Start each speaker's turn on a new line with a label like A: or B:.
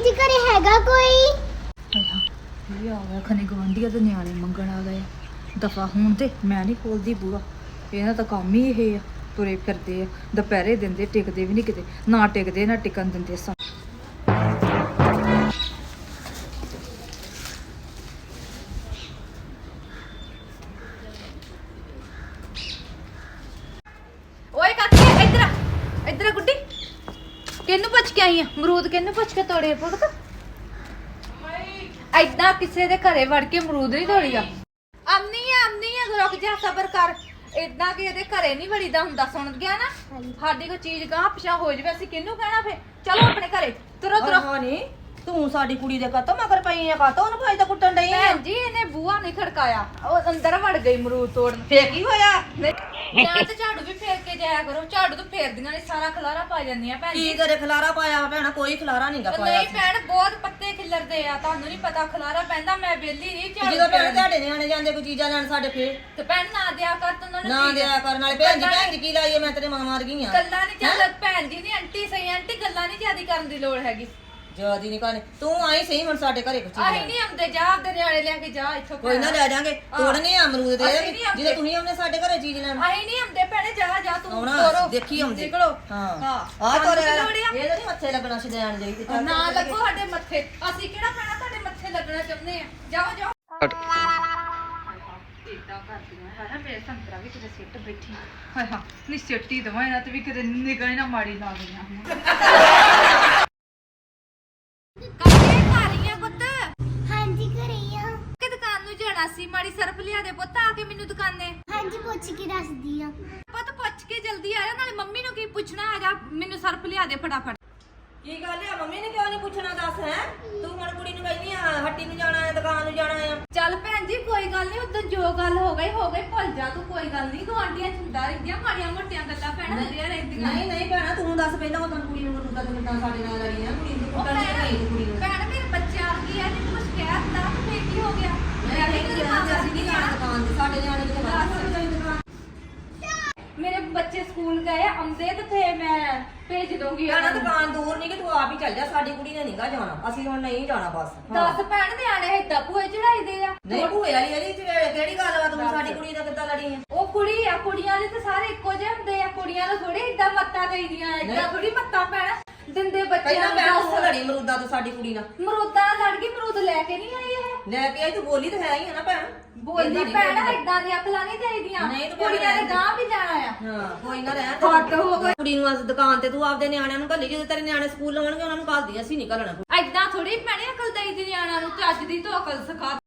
A: ਜੀ ਘਰੇ ਹੈਗਾ ਕੋਈ?
B: ਇਹ ਆ ਗਿਆ ਖਨੇ ਗਵਾਂਢੀਆਂ ਦੇ ਨਿਆਣੇ ਮੰਗਣ ਆ ਗਏ ਦਫਾ ਹੁਣ ਤੇ ਮੈਂ ਨਹੀਂ ਖੋਲਦੀ ਬੂਹਾ। ਇਹਨਾਂ ਦਾ ਕੰਮ ਹੀ ਇਹ ਆ, ਤੁਰੇ ਫਿਰਦੇ ਆ, ਦੁਪਹਿਰੇ ਦਿੰਦੇ, ਟਿਕਦੇ ਵੀ ਨਹੀਂ ਕਿਤੇ, ਨਾ ਟਿਕਦੇ ਨਾ ਟਿਕਣ ਦਿੰਦੇ ਸਾ। ਓਏ ਕਾਕੇ ਇੱਧਰ ਆ, ਇੱਧਰ ਆ ਗੁੱਡੀ। ਕਿਹਨੂੰ ਪੁੱਛ ਕੇ ਆਈ ਆ? ਅਮਰੂਦ ਕਿਹਨੂੰ ਪੁੱਛ ਕੇ ਤੋੜੇ ਪੁੱਤ? ਐਦਾਂ ਕਿਸੇ ਦੇ ਘਰੇ ਵੜ ਕੇ ਅਮਰੂਦ ਨਹੀਂ ਤੋੜੀ ਆ। ਆਮਨੀ ਆ ਰੁਕ ਜਾ, ਸਬਰ ਕਰ। ਏਦਾਂ ਕਿ ਇਹਦੇ ਘਰੇ ਨਹੀਂ ਵੜੀਦਾ ਹੁੰਦਾ, ਸੁਣ ਗਿਆ ਨਾ? ਸਾਡੀ ਕੋਈ ਚੀਜ਼ ਗਾਹ ਪਿਛਾ ਹੋ ਜਾਵੇ ਅਸੀਂ ਕਿਹਨੂੰ ਕਹਿਣਾ? ਫੇ ਚਲੋ ਆਪਣੇ ਘਰੇ ਤੁਰੋ ਤੁਰੋ।
C: ਹਾਂ ਨੀ ਤੂੰ ਸਾਡੀ ਕੁੜੀ ਦੇ ਕਾਤੋਂ ਮਗਰ ਪਈ ਆ, ਕਾਤੋਂ ਉਹਨੂੰ ਭਾਈ ਤਾਂ ਕੁੱਟਣ ਡਈ ਆ?
B: ਭੈਣ ਜੀ ਇਹਨੇ ਬੂਹਾ ਨਹੀਂ ਖੜਕਾਇਆ, ਉਹ ਅੰਦਰ ਵੜ ਗਈ ਅਮਰੂਦ ਤੋੜਨ।
C: ਫੇਰ ਕੀ ਹੋਇਆ?
B: ਜਾਂ ਤੇ ਝਾੜੂ ਵੀ ਫੇਰ ਕੇ ਜਾਇਆ ਕਰੋ, ਝਾੜੂ ਤੋਂ ਫੇਰਦੀਆਂ ਨੇ ਸਾਰਾ ਖਲਾਰਾ ਪਾ ਜਾਂਦੀਆਂ ਭੈਣ
C: ਕੀ
B: ਜੀ।
C: ਤੇਰੇ ਖਲਾਰਾ ਪਾਇਆ ਭੈਣਾ? ਕੋਈ ਖਲਾਰਾ ਨਹੀਂਗਾ ਪਾਇਆ।
B: ਨਹੀਂ ਭੈਣ ਬਹੁਤ ਪੱਤੇ ਖਿਲਰਦੇ ਆ, ਤੁਹਾਨੂੰ ਨਹੀਂ ਪਤਾ ਖਲਾਰਾ ਪੈਂਦਾ। ਮੈਂ ਵਿਹਲੀ ਨਹੀਂ ਝਾੜੂ
C: ਜਦੋਂ ਭੈਣ
B: ਫੇਰਨ।
C: ਤੁਹਾਡੇ ਨਿਆਣੇ ਜਾਂਦੇ ਕੋਈ ਚੀਜ਼ਾਂ ਲੈਣ ਸਾਡੇ ਫੇਰ
B: ਤੇ ਭੈਣ ਨਾ ਦਿਆ ਕਰ ਤੂੰ ਉਹਨਾਂ ਨੂੰ
C: ਨਾ
B: ਚੀਜ਼।
C: ਦਿਆ ਕਰਨ ਵਾਲੇ ਭੈਣ ਜੀ ਕੀ ਲਾਈਏ? ਮੈਂ ਤੇਰੇ ਮਾਂ ਮਾਰ ਗਈ ਆ।
B: ਗੱਲਾਂ ਨਹੀਂ ਚੱਲ ਭੈਣ ਜੀ ਨਹੀਂ ਆਂਟੀ ਸਹੀ, ਆਂਟੀ ਗੱਲਾਂ ਨਹੀਂ ਜਿਆਦੀ ਕਰਨ ਦੀ ਲੋੜ ਹੈਗੀ।
C: ਜਿਆਦੀ ਨਹੀਂ ਕਰਨੀ ਤੂੰ ਆਈ ਸਹੀ ਹੁਣ ਸਾਡੇ ਘਰੇ ਕੁਛ
B: ਆਹੀ ਨਹੀਂ ਆਉਂਦੇ, ਜਾ ਆਪਦੇ ਨਿਆਣੇ ਲੈ ਕੇ ਜਾ ਇੱਥੋਂ।
C: ਕੋਈ ਨਾ ਲੈ ਜਾਾਂਗੇ, ਤੋੜਨੇ ਆ ਅਮਰੂਦ
B: ਅਸੀਂ
C: ਦੇ
B: ਨਹੀਂ ਆਉਂਦੇ।
C: ਜਦੋਂ ਤੁਸੀਂ ਆਉਂਦੇ ਸਾਡੇ ਘਰੇ ਚੀਜ਼ ਲੈਣ।
B: ਆਹੀ ਨਹੀਂ ਆਉਂਦੇ ਭੈਣੇ, ਜਾ ਤੂੰ
C: ਆਉਣਾ,
B: ਤੋਰੋ
C: ਦੇਖੀ ਆਉਂਦੇ।
B: ਨਿਕਲੋ।
C: ਹਾਂ
B: ਹਾਂ
C: ਆ ਤੋਰੇ
B: ਸਾਨੂੰ ਕੀ ਲੋੜ ਆ?
C: ਇਹ ਤਾਂ ਨਹੀਂ ਮੱਥੇ ਲੱਗਣਾ ਛਡਾਣ ਜਾਈ ਤੇ
B: ਨਾ ਲੱਗੋ ਸਾਡੇ ਮੱਥੇ, ਅਸੀਂ ਕਿਹੜਾ ਭੈਣਾ ਤੁਹਾਡੇ ਮੱਥੇ ਲੱਗਣਾ ਚਾਹੁੰਦੇ ਆ। ਜਾਓ ਇਦਾਂ ਕਰਦੀਆਂ ਹੈ ਨਾ। ਮੇਰੇ ਸੰਤਰਾ ਵੀ ਕਿਤੇ ਸਿੱਟ ਬੈਠੀ। ਹਾਏ ਹਾਂ ਨੀ ਸਿੱਟੀ ਦਵਾਂ ਇਹਨਾਂ ਤੇ ਵੀ ਕਿਤੇ ਨਿਗਾਹ ਨਾ ਮਾੜੀ ਲਾ ਗਈਆਂ ਹੁਣ। ਕੱਪੜੇ ਪਾ ਰਹੀ ਆ ਪੁੱਤ?
A: ਹਾਂਜੀ ਘਰੇ ਆ।
B: ਕਿ ਦੁਕਾਨ ਨੂੰ ਜਾਣਾ ਸੀ, ਮਾੜੀ ਸਰਫ ਲਿਆ ਦੇ ਪੁੱਤ ਆ ਕੇ ਮੈਨੂੰ ਦੁਕਾਨੇ।
A: ਹਾਂਜੀ ਪੁੱਛ ਕੇ ਦੱਸਦੀ ਆ।
B: ਪੁੱਤ ਪੁੱਛ ਕੇ ਜਲਦੀ ਆ ਜਾ, ਨਾਲੇ ਮੰਮੀ ਨੂੰ ਕੀ ਪੁੱਛਣਾ ਹੈਗਾ, ਮੈਨੂੰ ਸਰਫ ਲਿਆ ਦੇ ਫਟਾਫਟ।
C: ਕੀ ਗੱਲ ਆ? ਮੰਮੀ ਨੇ ਕਿਉਂ ਨਹੀਂ ਪੁੱਛਣਾ? ਦੱਸ ਹੈ ਤੂੰ ਹੁਣ ਕੁੜੀ ਨੂੰ ਕਹਿੰਦੀ ਆ ਹੱਟੀ ਨੂੰ ਜਾਣਾ ਹੈ, ਦੁਕਾਨ ਨੂੰ ਜਾਣਾ ਆ।
B: ਚੱਲ ਭੈਣ ਜੀ ਕੋਈ ਗੱਲ ਨਹੀਂ, ਉਦੋਂ ਜੋ ਗੱਲ ਹੋ ਗਈ ਭੁੱਲ ਜਾ ਤੂੰ, ਕੋਈ ਗੱਲ ਨਹੀਂ। ਗੁਆਂਢੀਆਂ ਚੁੰਦਾ ਰਹਿੰਦੀਆਂ, ਮਾੜੀਆਂ ਮੋਟੀਆਂ ਗੱਲਾਂ ਭੈਣਾਂ ਹੁੰਦੀਆਂ ਰਹਿੰਦੀਆਂ।
C: ਨਹੀਂ ਭੈਣਾ ਤੂੰ ਦੱਸ ਪਹਿਲਾਂ ਉਦੋਂ ਕੁੜੀ ਨੂੰ ਰੁੱਦਾ ਤੂੰ ਕਿੱਦਾਂ ਸਾਡੇ ਨਾਲ ਲੜੀ ਆ? ਕੁੜੀ ਨੂੰ
B: ਉਹ
C: ਕੁੱਟਣ ਦੀ ਨਹੀਂ ਕੁੜੀ ਨੂੰ।
B: ਭੈਣ ਮੇਰੇ ਬੱਚੇ ਆ ਗਈ ਆ, ਜੇ ਕੁਝ ਕਹਿ ਤਾ ਤਾਂ ਫੇਰ ਕੀ ਹੋ ਗਿਆ?
C: ਮੈਂ ਕਹਿੰਦੀ ਆ ਅਸੀਂ ਨਹੀਂ ਜਾਣਾ ਦੁਕਾਨ ਤੇ, ਸਾਡੇ ਨਿਆਣੇ ਨੂੰ ਦੁਕਾਨ।
B: ਮੇਰੇ ਬੱਚੇ ਸਕੂਲ ਗਏ ਆਉਂਦੇ ਤੇ ਫੇਰ ਮੈਂ ਭੇਜ ਦੂੰਗੀ
C: ਭੈਣਾ
B: ਉਹਨਾਂ ਨੂੰ।
C: ਦੁਕਾਨ ਦੂਰ ਨਹੀਂ ਕਿ ਤੂੰ ਆਪ ਹੀ ਚੱਲ ਜਾ, ਸਾਡੀ ਕੁੜੀ ਨੇ ਨਹੀਂਗਾ ਜਾਣਾ, ਅਸੀਂ ਹੁਣ ਨਹੀਂ ਜਾਣਾ ਬਸ।
B: ਦੱਸ ਭੈਣ ਨਿਆਣੇ ਏਦਾਂ ਭੂਏ ਚੜਾਈ ਦੇ ਆ?
C: ਨਹੀਂ ਭੂਏ ਵਾਲੀ ਇਹਦੀ ਕਿਹੜੀ ਗੱਲ ਆ? ਤੂੰ ਸਾਡੀ ਕੁੜੀ ਦਾ ਕਿੱਦਾਂ ਲੜੀ ਆ?
B: ਉਹ ਕੁੜੀ ਆ, ਕੁੜੀਆਂ ਦੇ ਤਾਂ ਸਾਰੇ ਇੱਕੋ ਜਿਹੇ ਹੁੰਦੇ ਆ, ਕੁੜੀਆਂ ਨੂੰ ਥੋੜੀ ਏਦਾਂ ਮੱਤਾਂ ਦੇਈਦੀਆਂ, ਏਦਾਂ ਥੋੜੀ ਮੱਤਾਂ ਭੈਣ ਦਿੰਦੇ ਬੱਚਿਆਂ
C: ਪਹਿਲਾਂ
B: ਨੂੰ।
C: ਭੈਣ ਉਹ ਲੜੀ ਮਰੂਦਾ ਤੋਂ ਸਾਡੀ ਕੁੜੀ ਨਾਲ।
B: ਮਰੂਦਾਂ ਨਾਲ ਲੜ ਗਈ, ਮਰੂਦ ਲੈ ਕੇ ਨਹੀਂ ਆਈ ਇਹ।
C: ਲੈ ਕੇ ਆਈ ਤੂੰ, ਬੋਲੀ ਤਾਂ ਹੈ ਹੀ ਆ ਨਾ ਭੈਣ।
B: ਬੋਲੀ ਭੈਣ ਏਦਾਂ ਦੀਆਂ ਅਕਲਾਂ ਨਹੀਂ ਚਾਹੀਦੀਆਂ,
C: ਨਹੀਂ ਤੇ
B: ਕੁੜੀਆਂ ਨੇ ਗਾਂ ਵੀ ਜਾਣਾ ਆ।
C: ਹਾਂ ਕੋਈ ਨਾ ਰਹਿ
B: ਹੱਦ ਹੋ ਗਈ।
C: ਕੁੜੀ ਨੂੰ ਅੱਜ ਦੁਕਾਨ ਤੇ ਤੂੰ ਆਪਦੇ ਨਿਆਣਿਆਂ ਨੂੰ ਘੱਲੀ, ਜਦੋਂ ਤੇਰੇ ਨਿਆਣੇ ਸਕੂਲ ਲਾਉਣਗੇ ਉਹਨਾਂ ਨੂੰ ਘੱਲਦੀ, ਅਸੀਂ ਨਹੀਂ ਘੱਲਣਾ।
B: ਏਦਾਂ ਥੋੜੀ ਭੈਣੇ ਅਕਲ ਦੇਈਦੀ ਨਿਆਣਿਆਂ ਨੂੰ, ਚੱਜ ਦੀ ਤੋਂ ਅਕਲ ਸਿਖਾ।